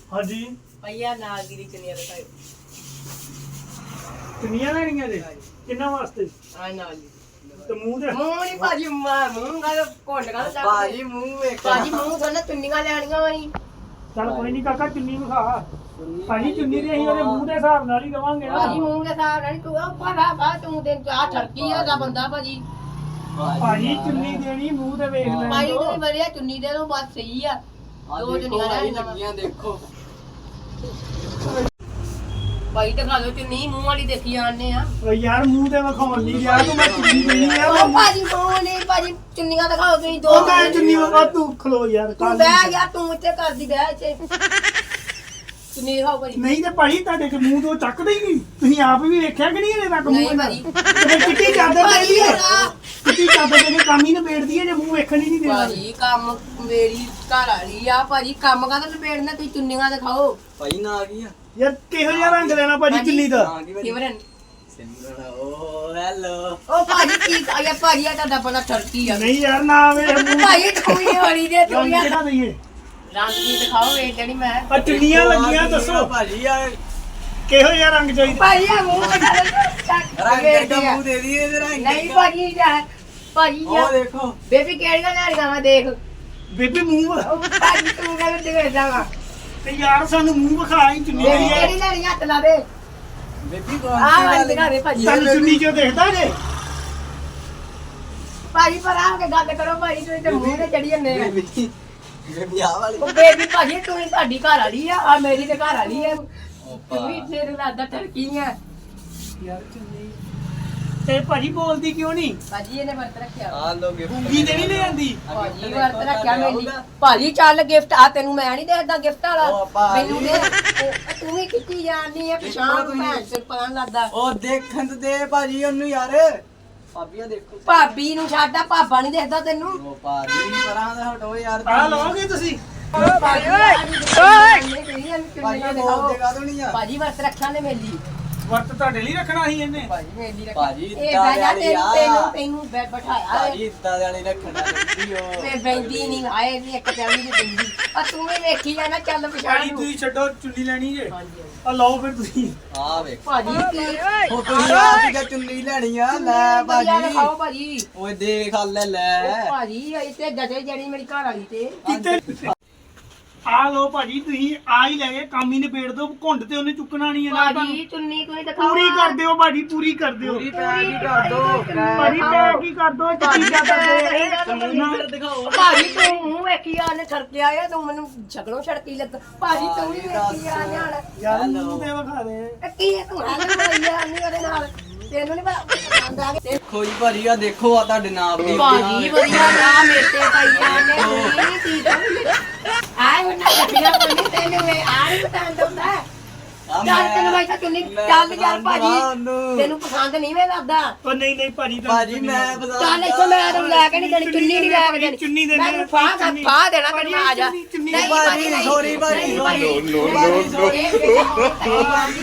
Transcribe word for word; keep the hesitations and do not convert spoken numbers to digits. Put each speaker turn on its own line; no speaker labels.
हाँ जी
भैया नाल दी चुनिया दिखाओ
चुनिया लेनिया जे किन्ना वास्ते
आ नाल दी
ते मुंह दे
मुंह नहीं भाजी मार मुंह गा कोंड गा
भाजी मुंह वेख
भाजी मुंह थोड़ा चुन्नियां लेनियां वही
चल कोई नहीं काका चुन्नी विखा भाजी चुन्नी दे ਅਸੀਂ ਉਹਦੇ ਮੂੰਹ ਦੇ ਹਿਸਾਬ ਨਾਲ ਹੀ ਦਵਾਂਗੇ ਨਾ
भाजी मुंह के साथ नहीं तू ऊपर आ बा तू दिन आ ठरकी है दा बंदा भाजी
ਭਾਜੀ ਚੁੰਨੀ ਦੇਣੀ ਮੂੰਹ ਤੇ ਵੇਖ ਲੈਣ
भाई
ਦਿਓ।
तू बढ़िया चुन्नी दे दो बात सही है दो चुन्नियां लेनियां
देखो
भाई दिखा दो चुन्नी मुंह वाली देखी आने आ
ਓ ਯਾਰ ਮੂੰਹ ਤੇ ਵਿਖਾਉਣ ਨਹੀਂ ਗਿਆ ਤੂੰ ਮੈਂ ਚੁੰਨੀ ਦੇਣੀ ਆ
ओ भाजी मुंह नहीं भाजी चुन्नियां दिखाओ तुम दो
ਉਹ ਮੈਂ ਚੁੰਨੀ ਵਿਖਾ ਤੂੰ ਖਲੋ ਯਾਰ
तू बैठ यार तू ਇੱਥੇ ਕਰਦੀ ਬਹਿ ਇੱਥੇ ਚੁੰਨੀ ਦਿਖਾਓ ਭਾਜੀ
ਨਹੀਂ ਤੇ ਭਾਈ ਤੁਹਾਡੇ ਕੇ ਮੂੰਹ ਤੋਂ ਚੱਕਦੇ ਹੀ ਨਹੀਂ ਤੁਸੀਂ ਆਪ ਵੀ ਵੇਖਿਆ ਕਿ ਨਹੀਂ ਇਹਦੇ ਤੱਕ ਮੂੰਹ
ਨਹੀਂ ਭਾਜੀ।
ਤੇ ਕਿੱਟੀ ਚਾਦਰ ਦੇ
ਭਾਜੀ
ਲਈਏ
ਨਾ।
ਕਿੱਟੀ ਚਾਦਰ ਦੇ ਕੇ ਕੰਮ ਹੀ ਨਿਬੇੜਦੀ ਹੈ ਜੇ ਮੂੰਹ ਵੇਖਣ ਹੀ ਨਹੀਂ ਦੇਣਾ
ਭਾਜੀ ਕੰਮ ਮੇਰੀ ਘਰ ਵਾਲੀ ਆ ਭਾਜੀ ਕੰਮ ਕਾਹਦਾ ਲਪੇੜਨਾ ਤੁਸੀਂ ਚੁੰਨੀਆਂ ਦਿਖਾਓ
ਭਾਈ ਨਾ ਆ ਗਈ ਆ
ਯਾਰ ਕਿਹੋ ਜਿਹਾ ਰੰਗ ਲੈਣਾ ਭਾਜੀ ਚੁੰਨੀ ਦਾ
ਆ ਗਈ ਭਾਜੀ
ਸਿਮਰਨ
ਸਿਮਰਨ ਓ ਹੈਲੋ
ਉਹ ਭਾਜੀ ਕੀ ਆਇਆ ਭਾਜੀ ਆ ਤੁਹਾਡਾ ਬੜਾ ਠਰਕੀ ਆ
ਨਹੀਂ ਯਾਰ ਨਾ ਵੇ ਮੂੰਹ
ਭਾਜੀ ਤੂੰ ਹੀ ਹੋਣੀ ਦੇ ਤੂੰ
ਰੰਗ
ਯਾਰ
ਕਿਹੜਾ ਦਈਏ
ਰੰਗ ਕੀ ਦਿਖਾਓ ਵੇ ਜਿਹੜੀ ਮੈਂ
ਆ ਚੁੰਨੀਆਂ ਲੱਗੀਆਂ ਦੱਸੋ
ਭਾਜੀ ਆ
ਕਿਹੋ ਜਿਹਾ ਰੰਗ ਚਾਹੀਦਾ
ਭਾਜੀ ਆ ਮੂੰਹ ਦਿਖਾ
ਰੰਗ ਦਾ ਮੂੰਹ ਦੇ ਦਈਏ ਤੇ ਰੰਗ
ਨਹੀਂ ਭਾਜੀ ਜਾ ਭਾਜੀ
ਉਹ
ਆ
ਦੇਖੋ
ਬੇਬੀ ਕਿਹੜੀਆਂ ਲੈਣੀਆਂ ਮੈਂ ਦੇਖ
ਬੇਬੀ ਮੂੰਹ
ਉਹ ਭਾਜੀ ਤੂੰ ਕਹਿੰਦਾ ਦਿਖੇ ਜਾਵਾ
ਤੇ ਯਾਰ ਸਾਨੂੰ ਮੂੰਹ ਵਿਖਾ ਹੀ ਚੁੰਨੀ
ਬੇਬੀ
ਦੀ ਹੈ
ਕਿਹੜੀ ਲੈਣੀ ਹੱਥ ਲਾ ਦੇ
ਬੇਬੀ ਕੌਣ
ਆਹ ਵਾਲੀ ਦਿਖਾ ਦੇ ਭਾਜੀ
ਸਾਨੂੰ ਚੁੰਨੀ ਚੋਂ ਦੇਖਦਾ ਜੇ
ਭਾਜੀ ਪਰ ਆ ਕੇ ਗੱਲ ਕਰੋ ਭਾਜੀ ਤੁਸੀਂ ਤੇ ਮੂੰਹ ਤੇ ਚੜੀ ਜਾਂਦੇ ਆ
ਬੇਬੀ ਬੇਬੀ ਆ ਵਾਲੀ
ਉਹ ਬੇਬੀ ਭਾਜੀ ਤੂੰ ਹੀ ਸਾਡੀ ਘਰ ਵਾਲੀ ਆ ਆ ਮੇਰੀ ਤੇ ਘਰ ਵਾਲੀ ਆ
ਓ
ਤੂੰ ਵੀ ਤੇਰੇ ਲੱਗਦਾ ਟਰਕੀ ਆ
ਯਾਰ ਚੁੰਨੀ ਤੇ ਭਾਜੀ ਬੋਲਦੀ ਕਿਉਂ ਨਹੀਂ
ਭਾਜੀ ਇਹਨੇ ਵਰਤ ਰੱਖਿਆ
ਆ ਲੋ ਗਿਫਟ
ਗੁੰਗੀ ਤੇ ਨਹੀਂ ਲਿਆਂਦੀ
ਭਾਜੀ ਵਰਤ ਰੱਖਿਆ ਮੇਰੀ ਭਾਜੀ ਚੱਲ ਗਿਫਟ ਆ ਤੈਨੂੰ ਮੈਂ ਨਹੀਂ ਦੇਖਦਾ ਗਿਫਟ ਵਾਲਾ
ਉਹ ਭਾਜੀ।
ਮੈਨੂੰ ਦੇ ਉਹ ਤੂੰ ਵੀ ਕਿੱਥੇ ਜਾਣੀ ਆ ਪਛਾਣ ਭੈਣ ਸਿਰ ਪਾਣ ਲੱਗਦਾ
ਉਹ ਦੇਖਣ ਤੇ ਦੇ ਭਾਜੀ ਉਹਨੂੰ ਯਾਰ ਭਾਬੀ ਆ ਦੇਖੋ
ਭਾਬੀ ਨੂੰ ਛੱਡਾ ਭਾਬਾ ਨਹੀਂ ਦੇਖਦਾ ਤੈਨੂੰ
ਉਹ ਭਾਜੀ ਪਰਾਂ ਦਾ ਹਟੋ ਯਾਰ
ਆ ਲਓਗੇ ਤੁਸੀਂ
ਭਾਜੀ ਓਏ
ਭਾਜੀ ਬੋਲ ਦੇਗਾ ਤੂੰ ਨਹੀਂ ਆ
ਭਾਜੀ ਵਰਤ ਰੱਖਿਆ ਨੇ ਮੇਲੀ
ਵਰਤ ਤੁਹਾਡੇ ਲਈ ਰੱਖਣਾ ਸੀ ਇਹਨੇ
ਭਾਜੀ ਮੇਲੀ ਰੱਖਿਆ
ਭਾਜੀ
ਇਹ
ਇੱਦਾਂ
ਬਹਿ ਜਾ
ਵਾਲੀ
ਤੈਨੂੰ
ਆ।
ਤੈਨੂੰ ਤੈਨੂੰ ਬੈ ਬਿਠਾਇਆ
ਭਾਜੀ ਇੱਦਾਂ ਦੇ ਵਾਲੀ ਰੱਖਣਾ ਚਾਹੀਦੀ ਓ
ਤੇ ਬੈਂਦੀ ਨਹੀਂ ਆਏ ਨਹੀਂ ਇੱਕ ਟੈਲੀ ਦੀ ਬੈਂਦੀ ਆ ਤੂੰ ਵੀ ਵੇਖੀ ਜਾਣਾ ਚੱਲ ਪਛਾਣ
ਭਾਜੀ
ਨੂੰ
ਤੁਸੀਂ ਛੱਡੋ ਚੁੰਨੀ ਲੈਣੀ ਜੇ
ਹਾਂਜੀ
ਆ ਲਓ ਫਿਰ ਤੁਸੀਂ
ਆ ਵੇਖ
ਭਾਜੀ ਕੀ
ਉਹ ਤੁਸੀਂ ਆ ਕੀ ਚੁੰਨੀ ਲੈਣੀ ਆ ਲੈ ਭਾਜੀ
ਖਾਓ ਭਾਜੀ
ਓਏ ਦੇਖ ਆ ਲੈ ਲੈ
ਉਹ ਭਾਜੀ ਇੱਥੇ ਜਦੇ ਜੜੀ ਮੇਰੀ ਘਰ ਵਾਲੀ ਤੇ
ਕਿਤੇ ਆ ਲਓ ਭਾਜੀ ਤੁਸੀਂ ਆ ਹੀ ਲੈ ਗਏ ਕੰਮ ਹੀ ਨਿਬੇੜ ਦੋ ਘੁੰਡ ਤੇ ਉਹਨੇ ਚੁੱਕਣਾ ਨਹੀਂ ਹੈ ਨਾ
ਭਾਜੀ ਚੁੰਨੀ ਕੋਈ ਦਿਖਾਓ
ਪੂਰੀ ਕਰ ਦਿਓ ਭਾਜੀ ਪੂਰੀ ਕਰ ਦਿਓ
ਪੂਰੀ ਪੈਕ ਹੀ ਕਰ ਦੋ
ਭਾਜੀ ਪੈਕ ਹੀ ਕਰ ਦਿਓ ਚਿੱਟੀ ਚਾਦਰ ਦੇ
ਦਿਖਾਓ
ਭਾਜੀ ਤੂੰ ਮੂੰਹ ਵੇਖੀ ਆ ਨੇ ਛੜਕੇ ਆਇਆ ਤੂੰ ਮੈਨੂੰ ਛਕੜੋਂ ਛੜਕੀ ਲੱਗ ਭਾਜੀ ਤੂੰ ਵੀ ਵੇਖੀ ਆ ਨਾਲ
ਯਾਰ ਮੂੰਹ ਤੇ ਵਿਖਾ ਦੇ
ਇਹ ਕੀ ਹੈ ਤੂੰ ਹੈ ਨਾ ਭਈਆ ਨਹੀਂ ਉਹਦੇ ਨਾਲ ਤੈਨੂੰ ਨਹੀਂ ਪਸੰਦ ਆ ਗਿਆ
ਦੇਖੋ ਜੀ ਭਾਜੀ ਆ ਦੇਖੋ ਆ ਤੁਹਾਡੇ ਨਾਮ ਦੀ
ਭਾਜੀ ਵਧੀਆ ਨਾ ਮੇਤੇ ਪਈਆ ਨੇ ਨਹੀਂ ਕੀ ਆਏ ਉਹਨਾਂ ਕੱਟੀਆਂ ਕੋਈ ਤੈਨੂੰ ਇਹ ਆ ਨਹੀਂ ਪਸੰਦ ਹੁੰਦਾ ਚੱਲ ਤੈਨੂੰ ਮੈਂ ਤਾਂ ਚੁੰਨੀ ਚੱਲ ਯਾਰ ਭਾਜੀ ਤੈਨੂੰ ਪਸੰਦ ਨਹੀਂ ਵੇ ਲੱਗਦਾ
ਉਹ ਨਹੀਂ ਨਹੀਂ ਭਾਜੀ
ਭਾਜੀ ਮੈਂ ਬਤਾ
ਚੱਲ ਇੱਥੋਂ ਮੈਂ ਤੈਨੂੰ ਲੈ ਕੇ ਨਹੀਂ ਦੇਣੀ ਚੁੰਨੀ ਨਹੀਂ ਲੈ ਕੇ ਦੇਣੀ
ਚੁੰਨੀ ਦੇ
ਮੈਂ ਫਾਹ ਫਾਹ ਦੇਣਾ ਤੈਨੂੰ ਮੈਂ ਆ ਜਾ
ਚੁੰਨੀ
ਨਹੀਂ
ਭਾਜੀ ਸੌਰੀ ਭਾਜੀ
ਨਹੀਂ ਭਾਜੀ
ਨੋ ਨੋ ਨੋ
ਇਹ